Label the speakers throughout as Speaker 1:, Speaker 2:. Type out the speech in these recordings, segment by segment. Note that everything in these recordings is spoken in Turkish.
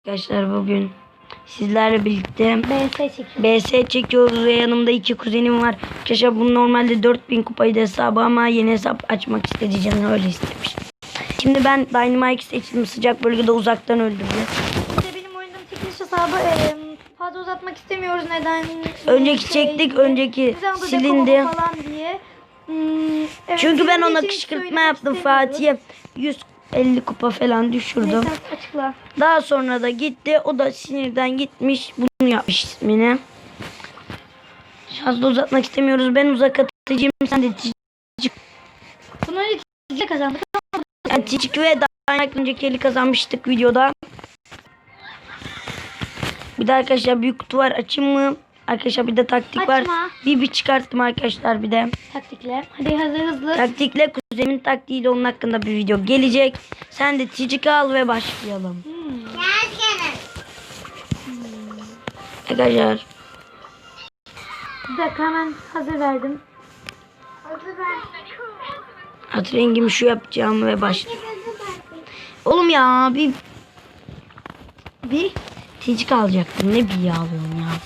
Speaker 1: Arkadaşlar bugün sizlerle birlikte
Speaker 2: BS
Speaker 1: çekiyoruz ve yanımda iki kuzenim var. Arkadaşlar bu normalde 4000 kupaydı hesabı ama yeni hesap açmak istedi, canım öyle istemiş. Şimdi ben Dynamite seçtim, sıcak bölgede uzaktan öldürdü.
Speaker 2: İşte benim oynadığım çekiliş hesabı fazla uzatmak istemiyoruz, neden?
Speaker 1: Önceki çektik, önceki silindi.
Speaker 2: Falan diye. Evet,
Speaker 1: çünkü ben ona
Speaker 2: için
Speaker 1: kışkırtma yaptım, Fatih'e 150 kupa falan düşürdüm.
Speaker 2: Neyse, açıkla.
Speaker 1: Daha sonra da gitti, o da sinirden gitmiş bunu yapmış ismini. Fazla uzatmak istemiyoruz. Ben uzak atıcıyım, sen de
Speaker 2: Bunu öyle kazandık.
Speaker 1: yani Ticik ve daha önceki eli kazanmıştık videoda. Bir de arkadaşlar büyük kutu var, açayım mı? Arkadaşlar bir de taktik var.
Speaker 2: Açma.
Speaker 1: Bir çıkarttım arkadaşlar bir de.
Speaker 2: Taktikler. Hadi hızlı.
Speaker 1: Taktikle kuzenin taktiğiyle onun hakkında bir video gelecek. Sen de Ticik al ve başlayalım. Arkadaşlar.
Speaker 2: Bir dakika, hemen hazır verdim.
Speaker 1: Hat rengimi şu yapacağım ve başlayalım. Oğlum ya bir Ticik alacaktım. Ne bir alıyorum ya.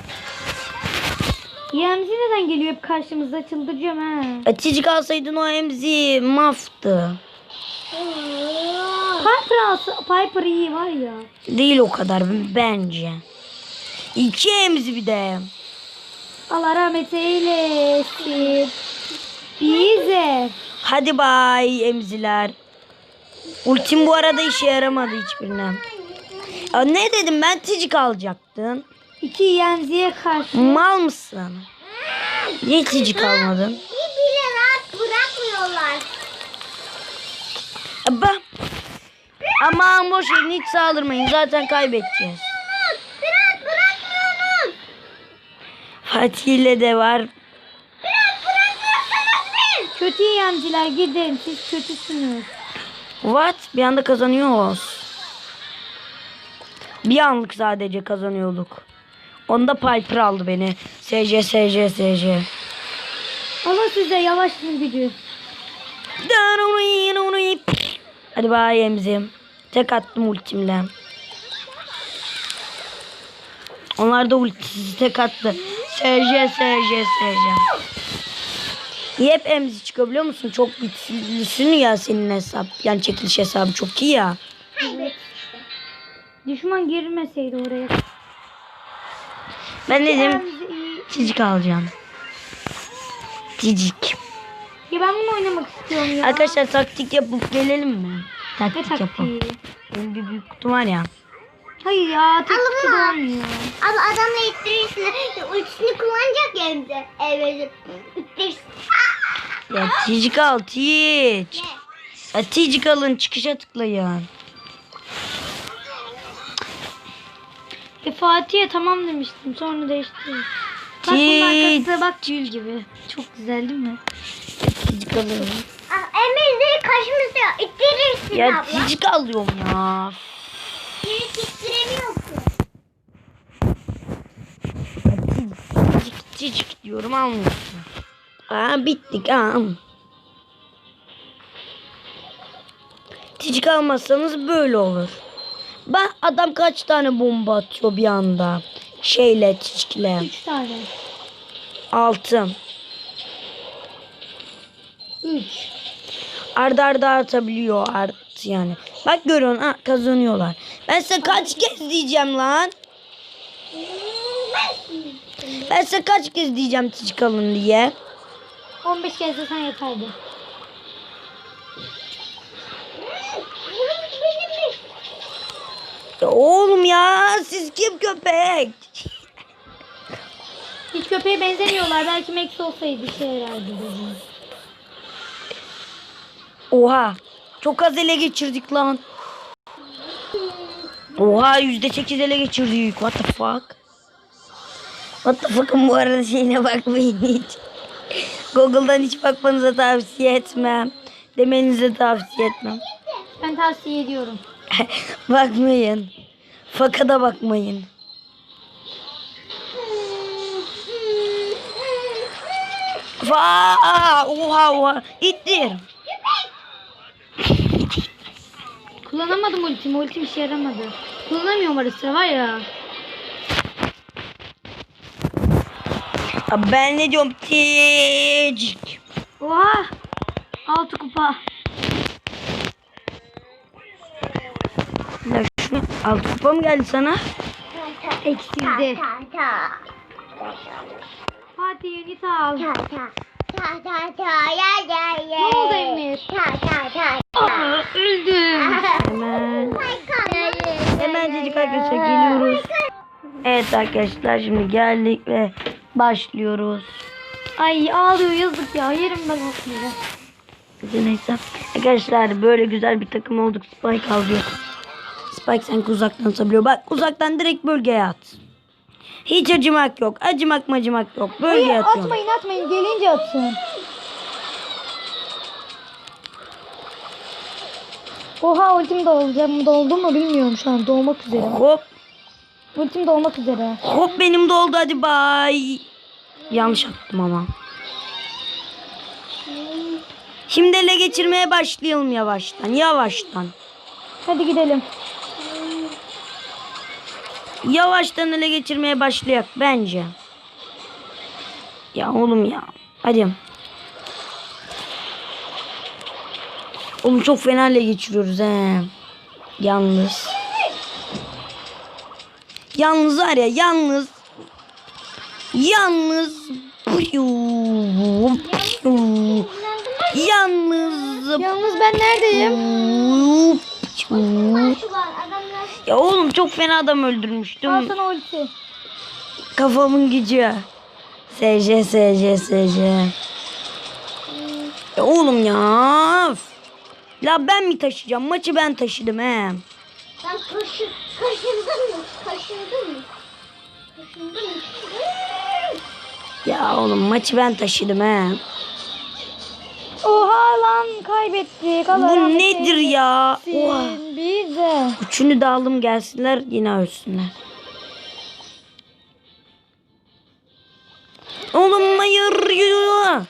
Speaker 2: YMZ neden geliyor hep karşımıza, çıldıracağım ha.
Speaker 1: Ticik alsaydın o emzi maftı.
Speaker 2: Piper iyi var ya.
Speaker 1: Değil o kadar bence. İki emzi bir de.
Speaker 2: Allah rahmet eylesin. Bize.
Speaker 1: Hadi bay emziler. Ultim bu arada işe yaramadı hiçbirine. Ya ne dedim, ben Ticik alacaktın.
Speaker 2: 2 YMZ'ye karşı.
Speaker 1: Mal mısın? Niye Ticik almadın?
Speaker 2: Bir bile rahat bırakmıyorlar.
Speaker 1: Aman boş verin, hiç saldırmayın, zaten kaybedeceğiz.
Speaker 2: Rahat bırakmıyorsunuz.
Speaker 1: Fatih ile de var.
Speaker 2: Kötü YMZ'ler gidin, siz kötüsünüz.
Speaker 1: What? Bir anda kazanıyoruz. Bir anlık sadece kazanıyorduk. Onda Piper aldı beni. SC.
Speaker 2: Ama size yavaşın gücü.
Speaker 1: Hadi bay emzim. Tek attım ultimle. Onlar da ultisi tek attı. SC. İyi, hep emzi çıkıyor biliyor musun? Çok güçlüsün ya senin hesap. Yani çekiliş hesabı çok iyi ya.
Speaker 2: Evet. Düşman girmeseydi oraya.
Speaker 1: Ben dedim
Speaker 2: YMZ iyi.
Speaker 1: Ticik alacağım. Ticik.
Speaker 2: Ya ben bunu oynamak istiyorum ya.
Speaker 1: Arkadaşlar taktik yapıp gelelim mi?
Speaker 2: Ne
Speaker 1: Taktik yapalım.
Speaker 2: taktiği?
Speaker 1: Benim bir büyük kutum var ya.
Speaker 2: Hayır ya, taktik de olmuyor.
Speaker 3: Abi adamla ittirirsin. Ultisini kullanacak ya önce. Evet. İttirirsin.
Speaker 1: Ya Ticik al Tic. Ya Ticik alın, çıkışa tıklayın.
Speaker 2: Fatih'e tamam demiştim, sonra değiştirdim. Bak bunun arkası, bak gül gibi. Çok güzel değil mi?
Speaker 1: Ticik alın.
Speaker 3: Emirleri karşımızda ittirirsin
Speaker 1: Ya
Speaker 3: abla.
Speaker 1: Ticik alıyorum ya.
Speaker 3: Geri ittiremiyorsun.
Speaker 1: Ticik diyorum, almıyorsun. Aa, bittik ha. Ticik almazsanız böyle olur. Ben adam kaç tane bomba atıyor bir anda. Şeyle, Ticik'le.
Speaker 2: 3 tane.
Speaker 1: 6.
Speaker 2: 3.
Speaker 1: Arda arda atabiliyor yani. Bak görüyorsun, ha, kazanıyorlar. Ben size kaç kez diyeceğim lan. Ben size kaç kez diyeceğim Ticik alın diye.
Speaker 2: 15 kez de sen yeterdi.
Speaker 1: Ya oğlum ya, siz kim köpek?
Speaker 2: Hiç köpeğe benzemiyorlar. Belki Max olsaydı işe yarardı dedim.
Speaker 1: Oha. Çok az ele geçirdik lan. Oha, %8 ele geçirdik. What the fuck? What the fuck'ın bu arada şeyine bakmayın hiç. Google'dan hiç bakmanıza tavsiye etmem. Demenize tavsiye etmem.
Speaker 2: Ben tavsiye ediyorum.
Speaker 1: Bakmayın. Faka da bakmayın. Oha. İttir.
Speaker 2: Kullanamadım ultimi. Ultim işe yaramadı. Kullanamıyorum ara sıra var ya.
Speaker 1: Abi ben ne diyorum? Tecik.
Speaker 2: Oha. 6 kupa.
Speaker 1: Ya şu 6 kupa mı geldi sana?
Speaker 2: Eksildi. Fatih unit al. Ne oldu Emir? Aa, öldüm.
Speaker 1: Hemen cicik arkadaşlar geliyoruz. Evet arkadaşlar şimdi geldik ve başlıyoruz.
Speaker 2: Ay ağlıyor yazık ya. Yerim ben atmayacağım.
Speaker 1: Neyse. Arkadaşlar böyle güzel bir takım olduk. Spike alıyor. Spike sanki uzaktan atabiliyor. Bak uzaktan direkt bölgeye at. Hiç acımak yok. Acımak yok. Bölgeye
Speaker 2: Hayır
Speaker 1: atıyorum.
Speaker 2: atmayın. Gelince atın. Oha ultim doldu mu bilmiyorum şu an. Doğmak üzere.
Speaker 1: Hop.
Speaker 2: Ultim dolmak üzere.
Speaker 1: Hop benim de oldu hadi bay. Yanlış attım ama. Şimdi ele geçirmeye başlayalım yavaştan.
Speaker 2: Hadi gidelim.
Speaker 1: Yavaştan ele geçirmeye başlayak bence. Ya oğlum ya. Hadi. Oğlum çok fena ele geçiriyoruz he. Yalnız. Yalnız var ya yalnız. Yalnız.
Speaker 2: Yalnız ben neredeyim?
Speaker 1: Ya oğlum çok fena adam öldürmüştüm.
Speaker 2: Al sana ulti.
Speaker 1: Kafamın gücü. SC. Ya oğlum ya. La ben mi taşıyacağım? Maçı ben taşıdım he.
Speaker 3: Ben kaşındım mı?
Speaker 1: Ya oğlum maçı ben taşıdım he.
Speaker 2: Oha lan kaybettik. Allah
Speaker 1: Bu
Speaker 2: rahmet
Speaker 1: nedir ya? Oha.
Speaker 2: eylesin. Bir de.
Speaker 1: Üçünü de aldım gelsinler yine ölsünler. Oğlum hayır ya.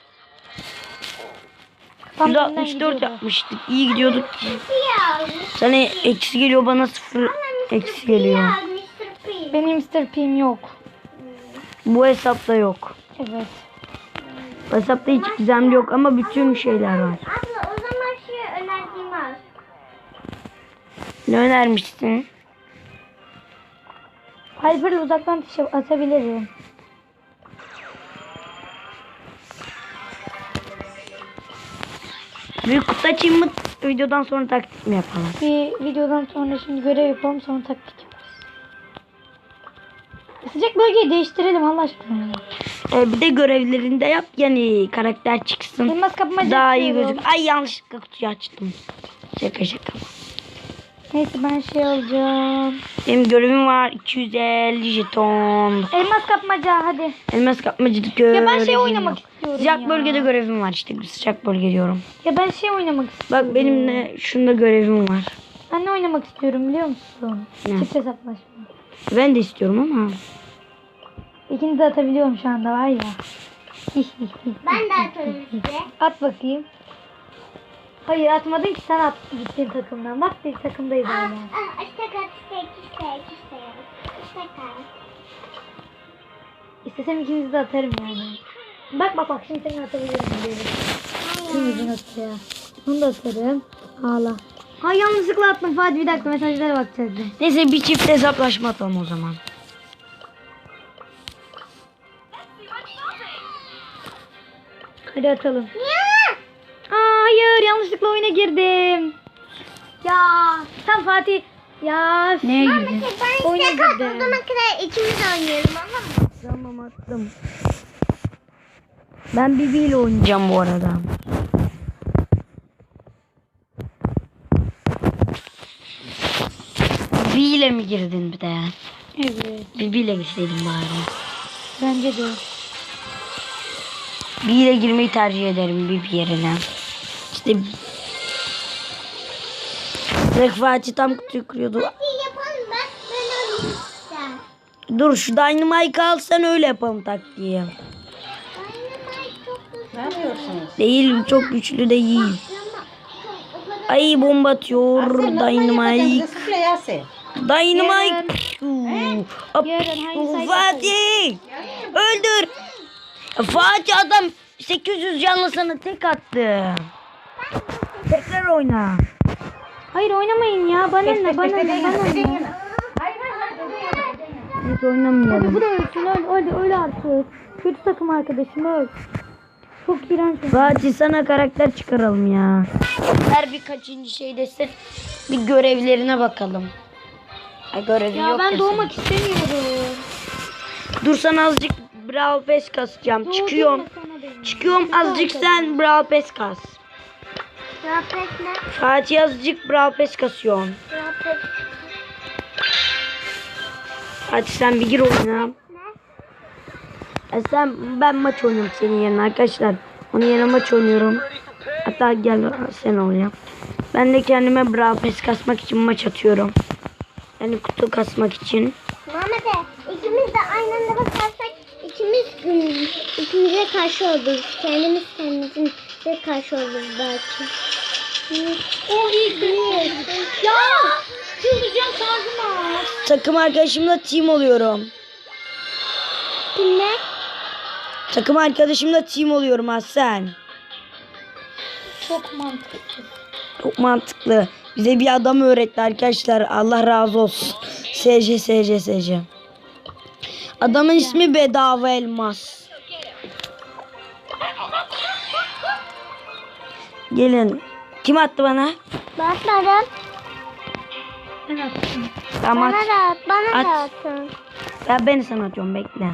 Speaker 2: Tam
Speaker 1: 164
Speaker 2: gidiyordu.
Speaker 1: yapmıştık. İyi gidiyorduk. Sana eksi geliyor bana 0 eksi geliyor.
Speaker 2: Benim Mr. P'm yok.
Speaker 1: Bu hesapta yok.
Speaker 2: Evet.
Speaker 1: Bu hesapta hiç gizemli yok ama bütün şeyler var.
Speaker 3: Abla o zaman şu önerdiğimi al.
Speaker 1: Ne önermişsin?
Speaker 2: Hyper'la uzaktan atabilirim.
Speaker 1: Büyük kutu açayım mı? Videodan sonra taktik mi yapalım?
Speaker 2: Bir videodan sonra şimdi görev yapalım sonra taktik yaparız. Sıcak bölgeyi değiştirelim Allah aşkına.
Speaker 1: Bir de görevlerinde yap yani karakter çıksın.
Speaker 2: Elmas kapmaca
Speaker 1: Daha iyi
Speaker 2: yapıyorum.
Speaker 1: gözük. Ay yanlışlıkla kutuyu açtım. Şaka.
Speaker 2: Neyse ben şey alacağım.
Speaker 1: Benim görevim var 250 jeton.
Speaker 2: Elmas kapmaca hadi.
Speaker 1: Elmas kapmacılık görevim
Speaker 2: Ya ben şey oynamak
Speaker 1: yok.
Speaker 2: istiyorum
Speaker 1: Sıcak
Speaker 2: ya.
Speaker 1: bölgede görevim var işte. Sıcak bölge diyorum.
Speaker 2: Ya ben şey oynamak istiyorum.
Speaker 1: Bak benim de şunda görevim var.
Speaker 2: Ben ne oynamak istiyorum biliyor musun?
Speaker 1: Ne?
Speaker 2: Çift hesaplaşma.
Speaker 1: Ben de istiyorum ama.
Speaker 2: İkini de atabiliyorum şu anda var ya.
Speaker 3: Ben de atarım size.
Speaker 2: At bakayım. Hayır atmadın ki sen at gittin takımdan. Bak biz takımdayız hala. İstesem ikinizi de atarım yani. Bak şimdi seni atabiliyorum. Şimdi atıyor. Bunu da atarım. Ağla. Ha yanlışlıkla attım Fatih bir dakika mesajlara bakacaktım.
Speaker 1: Neyse bir çift hesaplaşma atalım o zaman.
Speaker 2: Hadi atalım. Aa, hayır yanlışlıkla oyuna girdim. Ya sen Fatih. Ya
Speaker 1: Neye girdin?
Speaker 3: Ben
Speaker 2: Oyuna
Speaker 3: size
Speaker 2: girdim.
Speaker 3: katıldığıma kadar ikimiz oynayalım ama.
Speaker 1: Tamam attım. Ben Bibi ile oynayacağım bu arada. Bibi ile mi girdin bir de?
Speaker 2: Evet.
Speaker 1: Bibi ile girseydin bari.
Speaker 2: Bence de.
Speaker 1: Bibi ile girmeyi tercih ederim Bibi yerine. İşte direkt Fatih tam kutuyu kırıyordu.
Speaker 3: Yapalım ben oynayayım ister.
Speaker 1: Dur şu Dynamite al sen öyle yapalım taktiği.
Speaker 3: Dynamite çok güzel.
Speaker 4: Ne yapıyorsunuz?
Speaker 1: Değil çok güçlü değil.
Speaker 3: Ama o kadar
Speaker 1: Ay bomba atıyor
Speaker 4: Yasin, lütfen
Speaker 1: Dynamite.
Speaker 4: Sıfır Yasin.
Speaker 1: Dynamite.
Speaker 2: Yarın hangi sayı
Speaker 1: Fatih. Öldür. Fatih adam 800 canlı sana tek attı. Tekrar oyna.
Speaker 2: Hayır oynamayın ya. Bana ne? Bana ne?
Speaker 1: Biz oynamayalım.
Speaker 2: Hadi bu da ölsün. Öl artık. Kötü takım arkadaşım öl. Çok iğrenç.
Speaker 1: Fatih sana karakter çıkaralım ya. Her birkaçıncı şeydesin. Bir görevlerine bakalım. Ha, görevi
Speaker 2: Ya
Speaker 1: yok
Speaker 2: ben
Speaker 1: ya
Speaker 2: doğmak istemiyorum.
Speaker 1: senin. Dur sana azıcık Brawl Pass kasacağım. Çıkıyorum. Çıkıyorum azıcık sen Brawl Pass kas.
Speaker 3: Sohbet ne?
Speaker 1: Fatih azıcık Brawl Pass kasıyorsun.
Speaker 3: Sohbet
Speaker 1: Hadi sen bir gir oyuna.
Speaker 3: ne?
Speaker 1: Ben maç oynuyorum senin yerine arkadaşlar. Onun yerine maç oynuyorum. Hatta gel sen ol ya. Ben de kendime Brawl Pass kasmak için maç atıyorum. Yani kutu kasmak için.
Speaker 3: Mehmet'e ikimiz de aynı anda bakarsak ikimize karşı oluruz. Kendimize karşı oluruz belki.
Speaker 2: O iyi değil. Ya! Çıldıracağım şarjıma.
Speaker 1: Takım arkadaşımla team oluyorum.
Speaker 3: Kimle?
Speaker 1: Takım arkadaşımla team oluyorum Hasan.
Speaker 2: Çok mantıklı.
Speaker 1: Çok mantıklı. Bize bir adam öğretti arkadaşlar. Allah razı olsun. SC. Adamın ismi Bedava Elmas. Gelin. Kim attı bana?
Speaker 3: Bakmadım.
Speaker 2: Ben attım.
Speaker 1: Tamam.
Speaker 3: Bana
Speaker 1: At.
Speaker 3: da atın.
Speaker 1: Ya ben sana atıyorum bekle.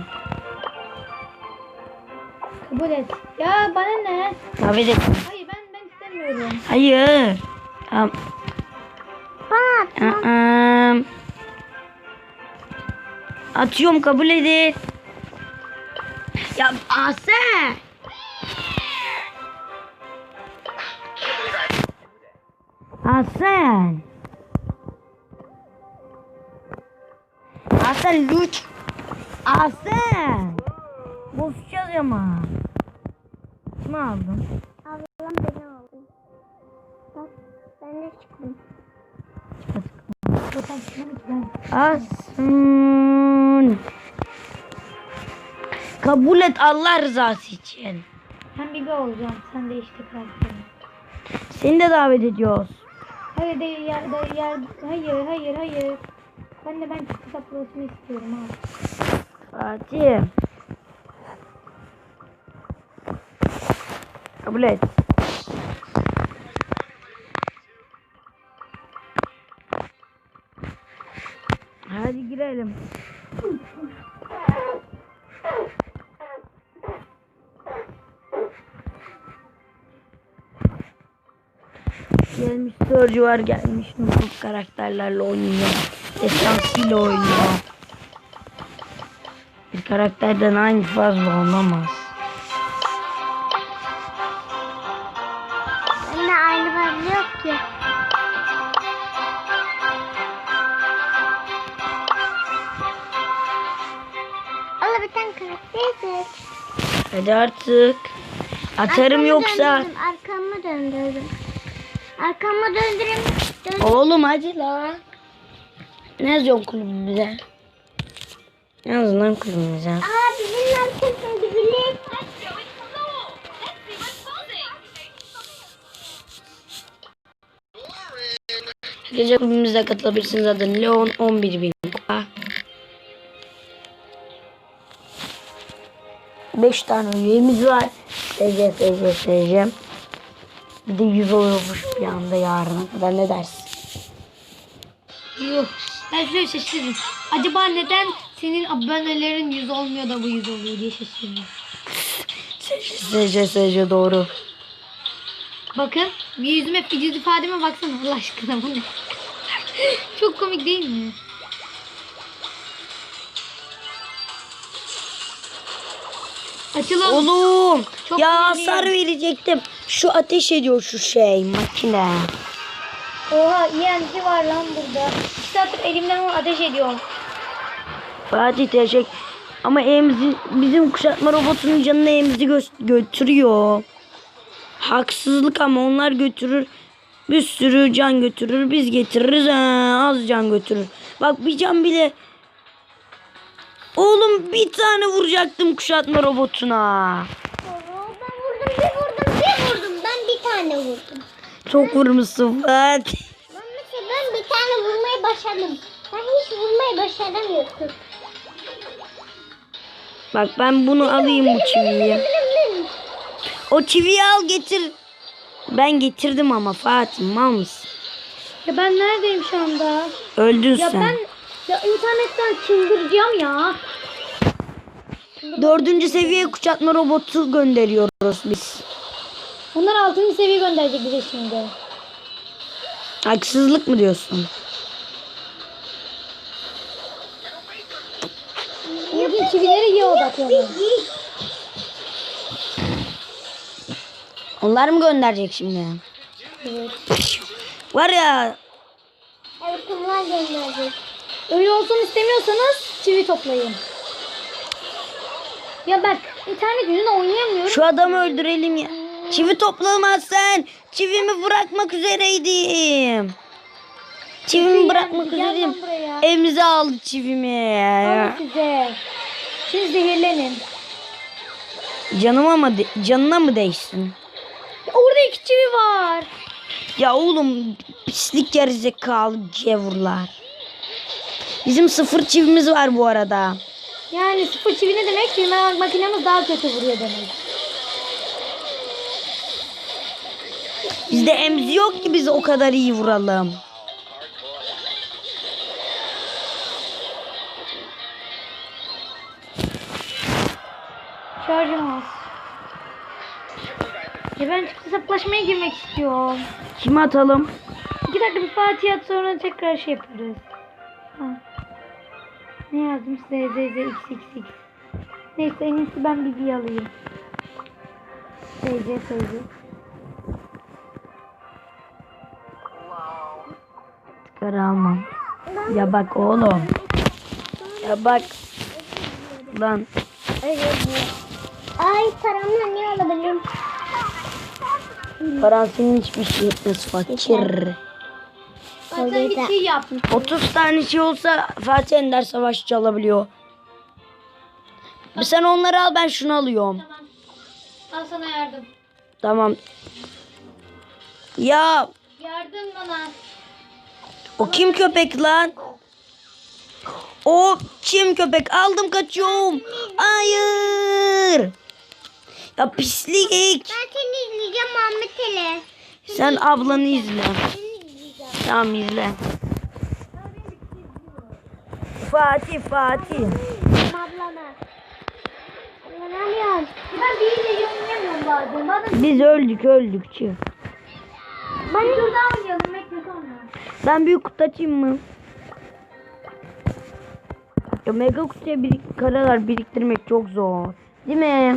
Speaker 2: Kabul et. Ya bana ne?
Speaker 1: Tabii de.
Speaker 2: Hayır ben istemiyorum.
Speaker 1: Hayır. Tamam.
Speaker 3: Bana at.
Speaker 1: Atıyorum kabul edin. Ya Ase. Hasan. Hasan lütfen. Hasan. Boşacağız ama. Kim aldın?
Speaker 3: Ablam beni aldı. Bak ben de çıktım.
Speaker 2: Zaten çıkmadı ki ben.
Speaker 1: Hasan. Kabul et Allah rızası için.
Speaker 2: Ben Bibi olacağım. Sen de işte karakterin.
Speaker 1: Seni de davet ediyoruz.
Speaker 2: Hayır hayır. Ben çıktı saplaşma istiyorum ha.
Speaker 1: Fatih. Kabul et. Hadi girelim. Gelmiş Sörcü var gelmiş Nufuk karakterlerle oynuyor. Esansıyla oynuyor. Bir karakterden aynı fazla olamaz.
Speaker 3: Bende aynı fazla yok ki. Allah bir tane karakter seç.
Speaker 1: Hadi artık. Atarım yoksa.
Speaker 3: Arkamı döndürdüm. Arkamı döndüreyim.
Speaker 1: Oğlum hadi la. Ne yazıyorsun kulübümüze? Ne yazın lan kulübümüze?
Speaker 3: Aa bizim arkasını bilir.
Speaker 1: Gece kulübümüze katılabilirsiniz adın Leon 11.000 kupa. 5 tane üyemiz var. SC. Bir de 100 oluyormuş bir anda yarına kadar ne dersin?
Speaker 2: Yok. Ben şöyle şaşırdım. Acaba neden senin abonelerin 100 olmuyor da bu 100 oluyor diye şaşırdım.
Speaker 1: SC doğru.
Speaker 2: Bakın bir yüzüme yüz ifademe baksana Allah aşkına bu ne? Çok komik değil mi? Açılalım.
Speaker 1: Oğlum
Speaker 2: Çok
Speaker 1: ya
Speaker 2: önemli.
Speaker 1: hasar verecektim. Şu ateş ediyor şu şey makine.
Speaker 2: Oha ENT var lan burada. 2 saattir elimden onu ateş ediyorum.
Speaker 1: Fatih teşekkür. Ama bizim kuşatma robotunun canını emzi götürüyor. Haksızlık ama onlar götürür. Bir sürü can götürür. Biz getiririz az can götürür. Bak bir can bile. Oğlum bir tane vuracaktım kuşatma robotuna.
Speaker 3: Ben vurdum. Ben bir tane vurdum.
Speaker 1: Çok vurmuşsun Fatih.
Speaker 3: Ben bir tane vurmayı başardım. Ben hiç vurmayı başaramıyorum.
Speaker 1: Bak ben bunu alayım bu çiviyi. O çiviyi al getir. Ben getirdim ama Fatih mal mısın?
Speaker 2: Ya ben neredeyim şu anda?
Speaker 1: Öldün
Speaker 2: Ya
Speaker 1: sen.
Speaker 2: ben ya internetten çıldıracağım ya.
Speaker 1: 4. seviye kuşatma robotu gönderiyoruz biz.
Speaker 2: Bunlar 6. seviye gönderecek bize şimdi.
Speaker 1: Haksızlık mı diyorsun?
Speaker 2: Bugün çivileri iyi odaklanın.
Speaker 1: Onlar mı gönderecek şimdi?
Speaker 2: Evet.
Speaker 1: Var ya.
Speaker 3: Evet bunlar gönderecek.
Speaker 2: Öyle olsun istemiyorsanız çivi toplayın. Ya ben internet yüzünden oynayamıyorum.
Speaker 1: Şu adamı öldürelim ya. Çivi toplamazsan çivimi bırakmak üzereydim. Çivimi bırakmak
Speaker 2: Gel lan
Speaker 1: üzereydim.
Speaker 2: buraya.
Speaker 1: Emze aldı çivimi.
Speaker 2: Alın size. Şimdi zehirlenin.
Speaker 1: Canına mı değsin?
Speaker 2: Orada 2 çivi var.
Speaker 1: Ya oğlum pislik gerizekalı cevurlar. Bizim 0 çivimiz var bu arada.
Speaker 2: Yani 0 çivi ne demek? Çivi makinemiz daha kötü vuruyor demek.
Speaker 1: Bizde emzi yok ki biz o kadar iyi vuralım.
Speaker 2: Şarjım az. Ya ben hesaplaşmaya girmek istiyorum.
Speaker 1: Kime atalım?
Speaker 2: 2 dakika bir Fatih at sonra tekrar şey yaparız. Ha. Ne yazdım size? XXX. Neyse en iyisi ben Bibi'yi alayım. SC.
Speaker 1: Çıkar almam. Ya bak oğlum. Ya bak. Lan.
Speaker 3: Ay paramla ne alabilirim?
Speaker 1: Paran senin hiçbir şey etmez fakir.
Speaker 2: Zaten bir şey yaptım.
Speaker 1: 30 tane şey olsa Fatih Ender Savaşçı alabiliyor. Sen onları al ben şunu alıyorum.
Speaker 2: Tamam. Al sana yardım.
Speaker 1: Tamam. Ya
Speaker 2: Yardım bana.
Speaker 1: o kim köpek lan? O kim köpek? Aldım kaçıyorum. Hayır. Ya pislik.
Speaker 3: Ben seni izleyeceğim Muhammed Ali.
Speaker 1: Sen ablanı izle.
Speaker 3: Seni izleyeceğim.
Speaker 1: Tamam izle. Fatih.
Speaker 3: Ablana. Ne alıyorsun?
Speaker 2: Ben biriyle oynayamıyorum bazen.
Speaker 1: Biz öldük çık.
Speaker 2: Ben bir tur daha oynayalım. Bekle sonra.
Speaker 1: Ben büyük kutu açayım mı? Ya mega kutuya karalar biriktirmek çok zor. Değil mi?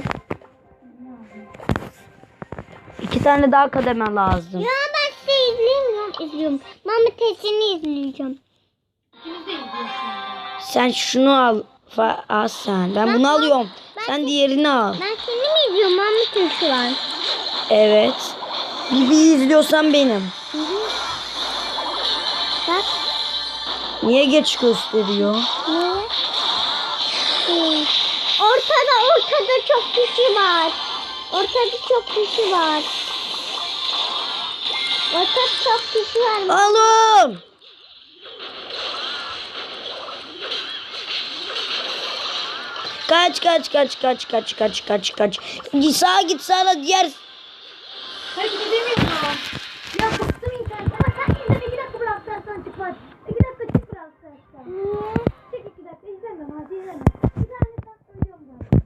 Speaker 1: 2 tane daha kademe lazım.
Speaker 3: Ya ben sizi izliyorum. Muhammed Ali'ni izleyeceğim.
Speaker 2: İkimiz de izliyoruz şimdi.
Speaker 1: Sen şunu al. Al sen. Ben bunu alıyorum. Sen diğerini al.
Speaker 3: Ben seni mi izliyorum Muhammed Ali şu an?
Speaker 1: Evet. Bir izliyorsan benim.
Speaker 3: Bak.
Speaker 1: Niye geç gösteriyor?
Speaker 3: Niye? Ortada çok kişi var. Ortada çok kişi var.
Speaker 1: Alın. Kaç. Sağa git sana diğer.
Speaker 2: Hareket edemiyorum. Ya bıktım internet. Ama sen izle 2 dakika bırak sen çık var. 2 dakika çık bırak sen.
Speaker 3: Niye?
Speaker 2: Çık 2 dakika izleme hadi izleme. İnternetten söylüyorum zaten.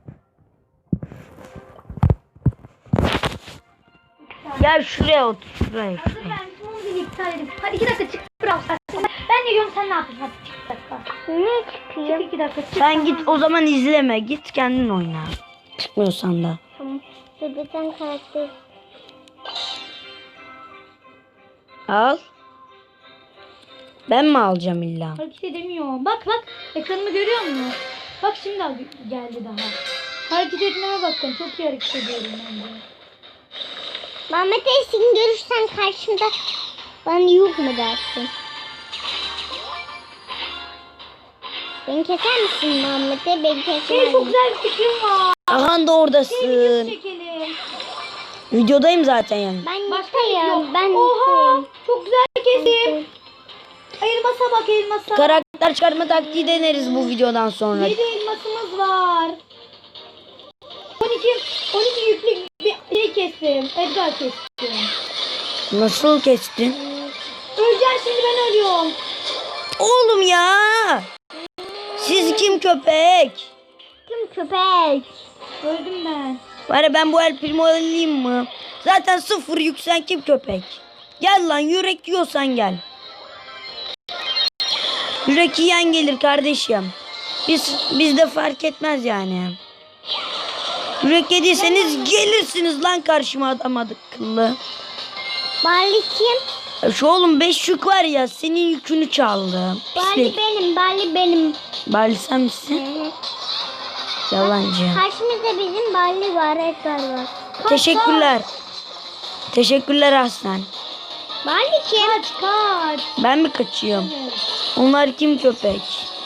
Speaker 1: Gel şuraya otur. Şuraya.
Speaker 2: Hazır ben bunu bir iptal edeyim. Hadi 2 dakika çık bırak sen. Ben de diyorum sen ne yapıyorsun? Hadi çık 2 dakika.
Speaker 3: Ne
Speaker 2: Çık
Speaker 3: çıkıyor?
Speaker 2: 2 dakika çık.
Speaker 1: Sen git o zaman izleme. Git kendin oyna. Çıkmıyorsan da.
Speaker 3: Tamam. Bebekten karakter.
Speaker 1: Al. Ben mi alacağım illa?
Speaker 2: Hareket edemiyorum. Bak ekranımı görüyor musun? Bak şimdi geldi daha. Hareket etmeme bakın. Çok iyi hareket ediyorum ben de.
Speaker 3: Muhammed Ali seni görürsen karşımda bana yuh mu dersin? Beni keser misin Muhammed'e? Beni
Speaker 2: Benim
Speaker 3: keser
Speaker 2: çok
Speaker 3: misin?
Speaker 2: güzel bir fikrim var.
Speaker 1: Ahan da
Speaker 2: Video
Speaker 1: oradasın.
Speaker 2: çekelim.
Speaker 1: Videodayım zaten yani.
Speaker 3: Ben
Speaker 2: Başka video.
Speaker 3: yıkayım. Ben
Speaker 2: Oha.
Speaker 3: yıkayım.
Speaker 2: Çok güzel kesim. Elmasa bak elmasa.
Speaker 1: Karakter çıkartma taktiği deneriz bu videodan sonra.
Speaker 2: 7 elmasımız var. 12 yüklü bir şey kestim. Edgar kestim.
Speaker 1: Nasıl kestin?
Speaker 2: Öleceğim şimdi, ben ölüyorum.
Speaker 1: Oğlum ya. Siz kim köpek?
Speaker 3: Kim köpek?
Speaker 2: Öldüm ben.
Speaker 1: Bari ben bu El Primo alayım mı? Zaten 0 yüksen kim köpek? Gel lan, yürek yiyorsan gel. Yürek yiyen gelir kardeşim. Bizde fark etmez yani. Yürek yediyseniz gelirsiniz lan karşıma, adam akıllı.
Speaker 3: Barley kim?
Speaker 1: Şu oğlum 5 yük var ya, senin yükünü çaldı.
Speaker 3: Barley
Speaker 1: Pislik.
Speaker 3: benim. Barley benim.
Speaker 1: Bari sen misin? Yalancı.
Speaker 3: Karşımızda bizim Barley var. Edgar var.
Speaker 1: Teşekkürler. Teşekkürler Aslan.
Speaker 3: Barley kim?
Speaker 2: Kaç.
Speaker 1: Ben mi kaçıyorum?
Speaker 2: Evet.
Speaker 1: Onlar kim köpek?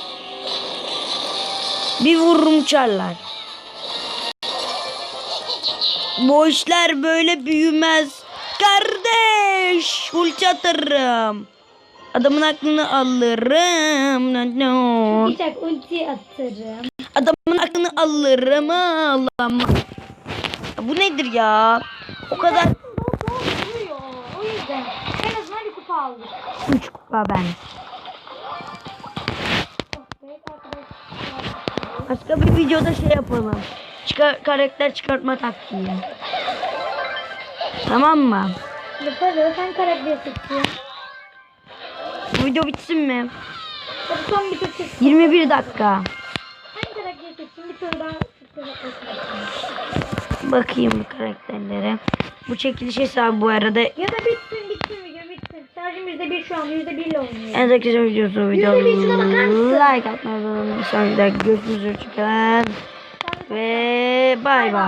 Speaker 1: Bir vururum uçarlar. Bu işler böyle büyümez. Kardeş, ulti atarım. Adamın aklını alırım. No.
Speaker 2: Bıçak ulti atarım.
Speaker 1: Adamın aklını alırım. Allah'ım. Bu nedir ya? O kadar
Speaker 2: Vuruyor. O yüzden. En azından bir kupa aldık.
Speaker 1: 3 kupa ben.
Speaker 2: Evet arkadaşlar.
Speaker 1: Başka bir videoda şey yapalım. Karakter çıkartma taktiği. Tamam mı?
Speaker 2: Yaparız. Sen karakter seçiyorsun.
Speaker 1: Bu video bitsin mi?
Speaker 2: Hadi son bir tur çek.
Speaker 1: 21 dakika.
Speaker 2: Hangi karakter seçeyim? Bir tur daha
Speaker 1: Bakayım bu karakterlere. Bu çekiliş hesabı bu arada.
Speaker 2: ya da bitsin video bitsin. Şarjım %1 şu an. %1 ile oynuyor.
Speaker 1: En arkadaşlar videosu
Speaker 2: %1 şuna bakar mısın?
Speaker 1: like atmayı unutmayın. Bir sonraki dakika görüşürüz. Hoşçakalın. Ve bay bay.